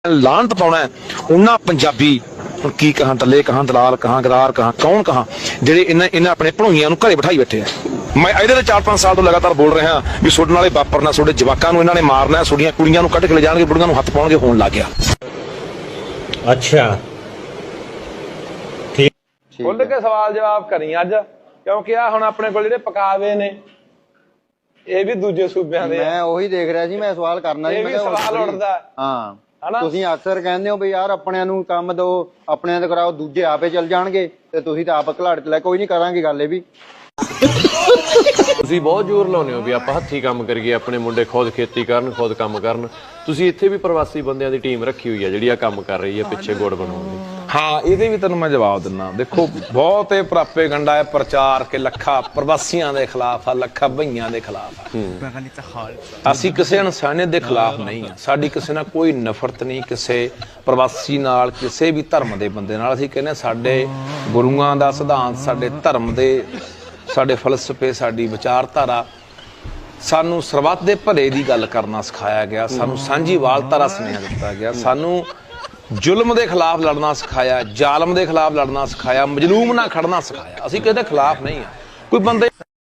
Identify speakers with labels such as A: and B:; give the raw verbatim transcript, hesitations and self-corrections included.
A: ਲਾਹਨਤ ਪਾਉਣਾ ਉਹਨਾਂ ਪੰਜਾਬੀ ਹੁਣ ਕੀ ਕਹਾਂ ਟੱਲੇ ਕਹਾਂ ਦਲਾਲ ਕਹਾਂ ਗਦਾਰ ਕਹਾਂ ਕੌਣ ਕਹਾਂ ਜਿਹੜੇ ਇਹਨਾਂ ਇਹਨਾਂ ਆਪਣੇ ਭਣੋਈਆਂ ਨੂੰ ਘਰੇ ਬਿਠਾਈ ਬੈਠੇ ਆ। ਮੈਂ ਇਹਦੇ ਤੇ ਚਾਰ ਪੰਜ ਸਾਲ ਤੋਂ ਲਗਾਤਾਰ ਬੋਲ ਰਿਹਾ ਵੀ ਤੁਹਾਡੇ ਨਾਲੇ ਵਾਪਰਨਾ, ਤੁਹਾਡੇ ਜਵਾਕਾਂ ਨੂੰ ਇਹਨਾਂ ਨੇ ਮਾਰਨਾ, ਤੁਹਾਡੀਆਂ ਕੁੜੀਆਂ ਨੂੰ ਕੱਢ ਕੇ ਲੈ ਜਾਣਗੇ, ਬੁੜੀਆਂ ਨੂੰ ਹੱਥ ਪਾਉਣਗੇ, ਹੋਣ ਲੱਗ ਗਿਆ।
B: ਅੱਛਾ ਠੀਕ
C: ਖੁੱਲ ਕੇ ਸਵਾਲ ਜਵਾਬ ਕਰੀ ਅੱਜ, ਕਿਉਂਕਿ ਆ ਹੁਣ ਆਪਣੇ ਕੋਲ ਜਿਹੜੇ ਪਕਾਵੇ ਨੇ ਇਹ ਵੀ ਦੂਜੇ ਸੂਬਿਆਂ ਦੇ।
D: ਮੈਂ ਉਹੀ ਦੇਖ ਰਿਹਾ ਸੀ, ਮੈਂ ਸਵਾਲ ਕਰਨਾ ਸੀ।
C: ਇਹ ਵੀ ਸਵਾਲ ਉੱਠਦਾ
D: ਹਾਂ,
C: ਹਨਾ? ਤੁਸੀਂ
D: ਅਕਸਰ ਕਹਿੰਦੇ ਹੋ ਵੀ ਯਾਰ ਆਪਣਿਆਂ ਨੂੰ ਕੰਮ ਦੋ, ਆਪਣਿਆਂ ਤੇ ਕਰਾਓ, ਦੂਜੇ ਆਪੇ ਚੱਲ ਜਾਣਗੇ ਤੇ ਤੁਸੀਂ ਤਾਂ ਆਪ ਘਲਾੜ ਚ ਲੈ। ਕੋਈ ਨਹੀਂ, ਕਰਾਂਗੇ ਗੱਲ ਇਹ ਵੀ।
E: ਤੁਸੀਂ ਬਹੁਤ ਜ਼ੋਰ ਲਾਉਂਦੇ ਹੋ ਵੀ ਆਪਾਂ ਹੱਥੀਂ ਕੰਮ ਕਰੀਏ, ਆਪਣੇ ਮੁੰਡੇ ਖੁਦ ਖੇਤੀ ਕਰਨ, ਖੁਦ ਕੰਮ ਕਰਨ। ਤੁਸੀਂ ਇੱਥੇ ਵੀ ਪ੍ਰਵਾਸੀ ਬੰਦਿਆਂ ਦੀ ਟੀਮ ਰੱਖੀ ਹੋਈ ਹੈ ਜਿਹੜੀ ਆ ਕੰਮ ਕਰ ਰਹੀ ਹੈ ਪਿੱਛੇ ਗੁੜ ਬਣਾਉਣ ਦੀ।
C: ਹਾਂ, ਇਹਦੇ ਵੀ ਤੈਨੂੰ ਮੈਂ ਜਵਾਬ ਦਿੰਦਾ। ਦੇਖੋ, ਬਹੁਤ ਇਹ ਪ੍ਰਾਪੇ ਗੰਡਾ ਹੈ ਪ੍ਰਚਾਰ ਕੇ ਲੱਖਾਂ ਪ੍ਰਵਾਸੀਆਂ ਦੇ ਖਿਲਾਫ ਆ, ਲੱਖਾਂ ਭਈਆਂ ਦੇ ਖਿਲਾਫ ਆ। ਅਸੀਂ ਕਿਸੇ ਇਨਸਾਨੀਅਤ ਦੇ ਖਿਲਾਫ ਨਹੀਂ ਆ, ਸਾਡੀ ਕਿਸੇ ਨਾਲ ਕੋਈ ਨਫ਼ਰਤ ਨਹੀਂ, ਕਿਸੇ ਪ੍ਰਵਾਸੀ ਨਾਲ, ਕਿਸੇ ਵੀ ਧਰਮ ਦੇ ਬੰਦੇ ਨਾਲ। ਅਸੀਂ ਕਹਿੰਦੇ ਸਾਡੇ ਗੁਰੂਆਂ ਦਾ ਸਿਧਾਂਤ, ਸਾਡੇ ਧਰਮ ਦੇ, ਸਾਡੇ ਫਲਸਫੇ, ਸਾਡੀ ਵਿਚਾਰਧਾਰਾ ਸਾਨੂੰ ਸਰਬੱਤ ਦੇ ਭਲੇ ਦੀ ਗੱਲ ਕਰਨਾ ਸਿਖਾਇਆ ਗਿਆ। ਸਾਨੂੰ ਸਾਂਝੀਵਾਲਤਾ ਦਾ ਸੁਨੇਹਾ ਦਿੱਤਾ ਗਿਆ। ਸਾਨੂੰ ਜ਼ੁਲਮ ਦੇ ਖਿਲਾਫ ਲੜਨਾ ਸਿਖਾਇਆ, ਜ਼ਾਲਮ ਦੇ ਖਿਲਾਫ ਲੜਨਾ ਸਿਖਾਇਆ, ਮਜ਼ਲੂਮ ਨਾਲ ਖੜਨਾ ਸਿਖਾਇਆ। ਅਸੀਂ ਕਿਸੇ ਦੇ ਖਿਲਾਫ ਨਹੀਂ ਆ। ਕੋਈ ਬੰਦੇ